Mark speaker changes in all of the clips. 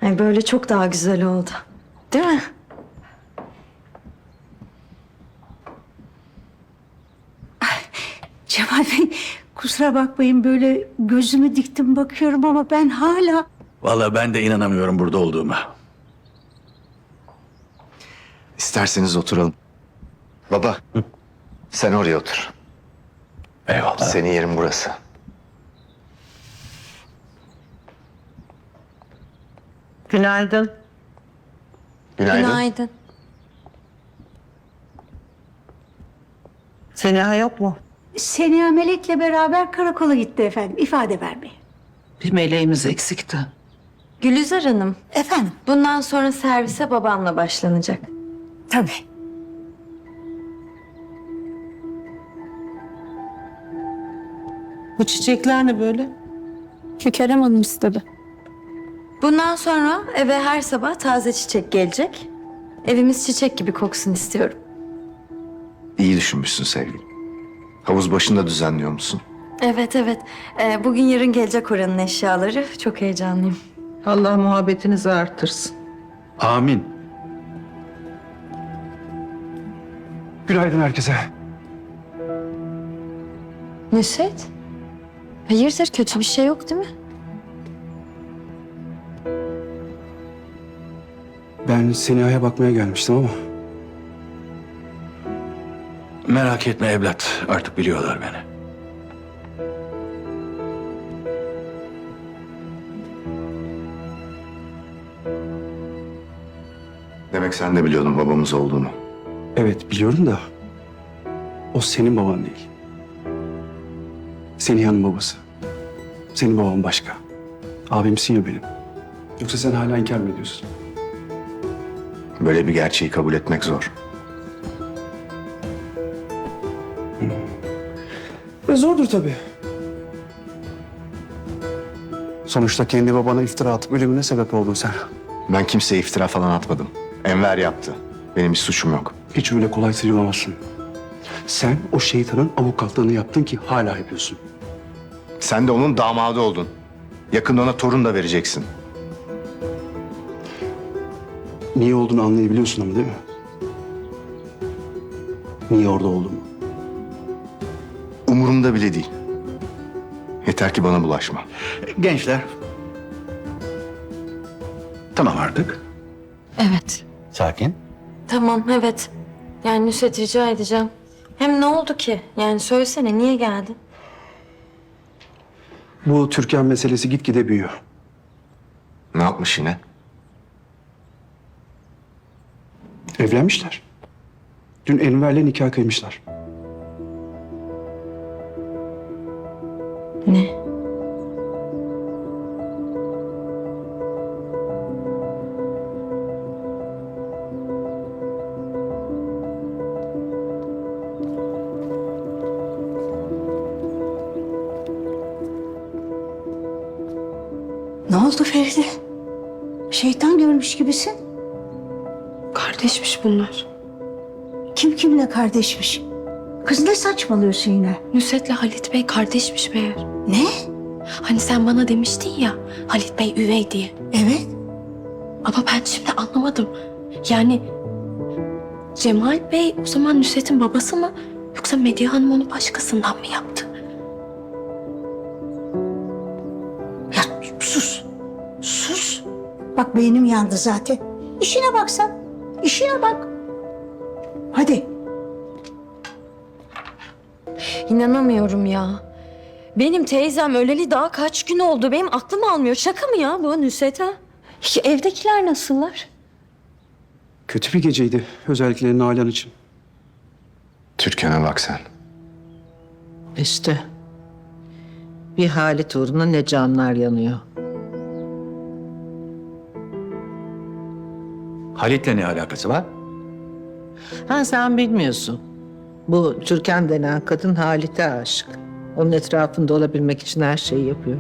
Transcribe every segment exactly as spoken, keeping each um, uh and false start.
Speaker 1: Ay böyle çok daha güzel oldu. Değil mi?
Speaker 2: Cemal Bey, kusura bakmayın böyle gözümü diktim bakıyorum ama ben hala...
Speaker 3: Vallahi ben de inanamıyorum burada olduğuma.
Speaker 4: İsterseniz oturalım. Baba, sen oraya otur.
Speaker 3: Eyvallah.
Speaker 4: Senin yerin burası.
Speaker 5: Günaydın.
Speaker 4: Günaydın.
Speaker 1: Günaydın.
Speaker 5: Seniha yok mu?
Speaker 2: Seniha Melek'le beraber karakola gitti efendim, ifade vermeye.
Speaker 5: Bir meleğimiz eksikti.
Speaker 1: Gülizar Hanım,
Speaker 2: Efendim?
Speaker 1: bundan sonra servise babamla başlanacak.
Speaker 2: Tabii.
Speaker 5: Bu çiçekler ne böyle?
Speaker 6: Kerem Hanım istedi.
Speaker 1: Bundan sonra eve her sabah taze çiçek gelecek. Evimiz çiçek gibi koksun istiyorum.
Speaker 4: İyi düşünmüşsün sevgilim. Havuz başında düzenliyor musun?
Speaker 1: Evet evet. Ee, bugün yarın gelecek oranın eşyaları. Çok heyecanlıyım.
Speaker 5: Allah muhabbetinizi artırsın.
Speaker 3: Amin.
Speaker 7: Günaydın herkese.
Speaker 1: Nusret? Hayırdır, kötü bir şey yok değil mi?
Speaker 7: Ben Seniha'ya bakmaya gelmiştim ama
Speaker 3: Merak etme evlat. Artık biliyorlar beni.
Speaker 4: Demek sen de biliyordun babamız olduğunu.
Speaker 7: evet biliyorum da o senin baban değil. Seniha'nın babası. Senin baban başka. Abimsin ya benim. Yoksa sen hala inkar mı ediyorsun?
Speaker 4: Böyle bir gerçeği kabul etmek zor.
Speaker 7: E zordur tabii. Sonuçta kendi babana iftira atıp ölümüne sebep oldun sen.
Speaker 4: Ben kimseye iftira falan atmadım. Enver yaptı. Benim bir suçum yok.
Speaker 7: Hiç öyle kolay sıyrılamazsın. Sen o şeytanın avukatlığını yaptın ki hala yapıyorsun.
Speaker 4: Sen de onun damadı oldun. Yakında ona torun da vereceksin.
Speaker 7: Niye olduğunu anlayabiliyorsun ama değil mi? Niye orada olduğumu.
Speaker 4: Umurumda bile değil. Yeter ki bana bulaşma.
Speaker 3: Gençler. Tamam artık.
Speaker 1: Evet.
Speaker 3: Sakin.
Speaker 1: Tamam, evet. Yani Nusret, rica edeceğim. Hem ne oldu ki? Yani söylesene, niye geldin?
Speaker 7: Bu Türkan meselesi gitgide büyüyor.
Speaker 4: Ne yapmış yine?
Speaker 7: Evlenmişler. Dün Enver'le nikah kıymışlar.
Speaker 1: Ne?
Speaker 2: Ne oldu Feride? Şeytan görmüş gibisin.
Speaker 6: Kardeşmiş bunlar.
Speaker 2: Kim kimle kardeşmiş? Kız ne saçmalıyorsun yine?
Speaker 6: Nusret'le Halit Bey kardeşmiş meğer.
Speaker 2: Ne?
Speaker 6: Hani sen bana demiştin ya Halit Bey üvey diye.
Speaker 2: Evet.
Speaker 6: Ama ben şimdi anlamadım. Yani Cemal Bey o zaman Nusret'in babası mı? Yoksa Medya Hanım onu başkasından mı yaptı?
Speaker 2: Ya sus. Sus. Bak beynim yandı zaten. İşine bak sen. İşine bak. Hadi.
Speaker 1: İnanamıyorum ya. Benim teyzem öleli daha kaç gün oldu? Benim aklım almıyor. Şaka mı ya bu Nusret ha? Ya evdekiler nasıllar?
Speaker 7: Kötü bir geceydi. Özellikle Nalan için.
Speaker 4: Türkan'a bak sen.
Speaker 5: İşte bir Halit uğruna ne canlar yanıyor.
Speaker 3: Halit'le ne alakası var?
Speaker 5: Ha sen bilmiyorsun. Bu Türkan denen kadın Halit'e aşık. Onun etrafında olabilmek için her şeyi yapıyor.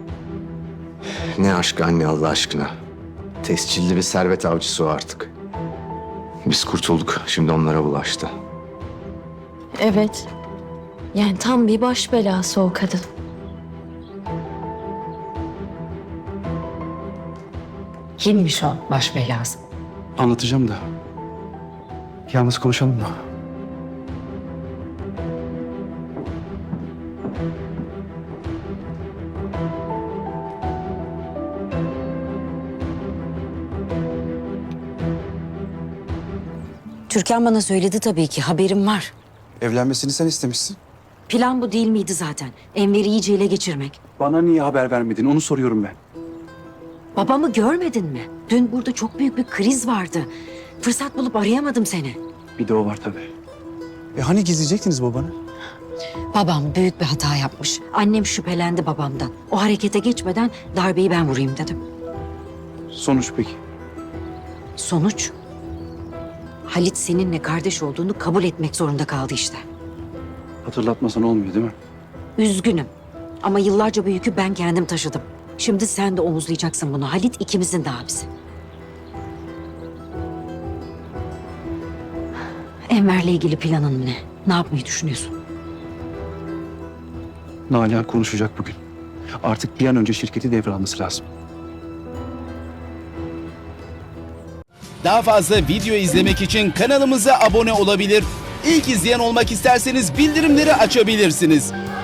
Speaker 4: Ne aşk anne Allah aşkına. Tescilli bir servet avcısı o artık. Biz kurtulduk. Şimdi onlara bulaştı.
Speaker 1: Evet. Yani tam bir baş belası o kadın.
Speaker 2: Kimmiş o baş belası?
Speaker 7: Anlatacağım da. Yalnız konuşalım mı?
Speaker 8: Türkan bana söyledi tabii ki, haberim var.
Speaker 7: Evlenmesini sen istemişsin.
Speaker 8: Plan bu değil miydi zaten? Enver'i iyice ele geçirmek.
Speaker 7: Bana niye haber vermedin onu soruyorum ben.
Speaker 8: Babamı görmedin mi? Dün burada çok büyük bir kriz vardı. Fırsat bulup arayamadım seni.
Speaker 7: Bir de o var tabii. E hani gizleyecektiniz babanı?
Speaker 8: Babam büyük bir hata yapmış. Annem şüphelendi babamdan. O harekete geçmeden darbeyi ben vurayım dedim.
Speaker 7: Sonuç peki?
Speaker 8: Sonuç? Halit seninle kardeş olduğunu kabul etmek zorunda kaldı işte.
Speaker 7: Hatırlatmasan olmuyor değil mi?
Speaker 8: Üzgünüm. Ama yıllarca bu yükü ben kendim taşıdım. Şimdi sen de omuzlayacaksın bunu. Halit ikimizin de abisi. Enver'le ilgili planın ne? Ne yapmayı düşünüyorsun?
Speaker 7: Nalan konuşacak bugün. Artık bir an önce şirketi devralması lazım.
Speaker 9: Daha fazla video izlemek için kanalımıza abone olabilir. İlk izleyen olmak isterseniz bildirimleri açabilirsiniz.